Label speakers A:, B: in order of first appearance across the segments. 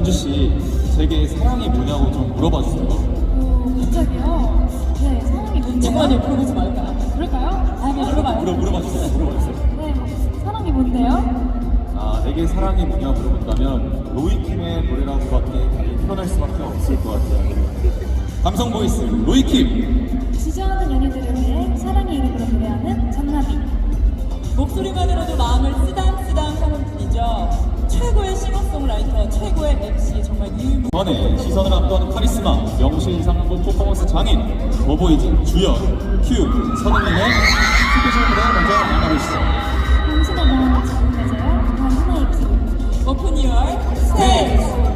A: 연주 씨, 제게 사랑이 뭐냐고 좀 물어봐 주세요.
B: 갑자기요? 네, 사랑이 뭔데요?
C: 잠깐만요, 물어보지 말까요?
B: 그럴까요? 아, 네, 물어봐요.
A: 물어봐 주세요. 물어봐 주세요.
B: 네, 사랑이 뭔데요?
A: 내게 사랑이 뭐냐 물어본다면 로이킴의 노래라고밖에 표현할 수밖에 없을 것 같아요. 감성 보이스 로이킴.
B: 지저하는 연인들을 위해 사랑의 이름으로 노래하는 전나비.
C: 목소리만으로도 마음을 쓰담쓰담 하는 분이죠. 최고의 싱어송라이터, 최고의 MC, 정말 유일무.
A: 이번에 시선을 압도하는 카리스마 명실상부 퍼포먼스 장인 더보이즈 주연 큐 선우님의 스페셜 무대 먼저 만나보시죠.
B: 당신의 마음을 지금 되세요. 단 하나의 키.
C: 오픈 유얼 스테이지.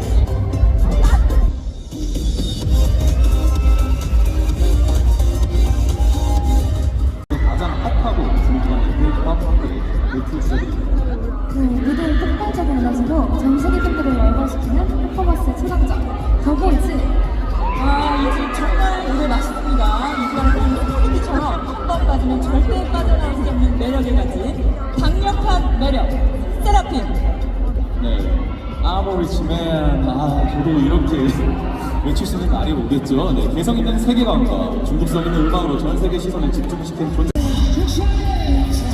A: 가장 핫하고 불길한 K-pop 뮤직비디오입니다.
B: 무대의 폭발적인 에너지로 전 세계 팬들을 열광시키는 퍼포먼스의 최강자 더보이즈.
C: 이집 정말 노래 맛있습니다. 이거는 소리기처럼 한 번 빠지면 절대 빠져나올 수 없는 매력을 가진 강력한 매력, 세라핌.
A: 네, 아모리치맨. 저도 이렇게 외칠 수 있는 날이 오겠죠. 네, 개성 있는 세계관과 중독성 있는 음악으로 전 세계 시선을 집중시킨 존재.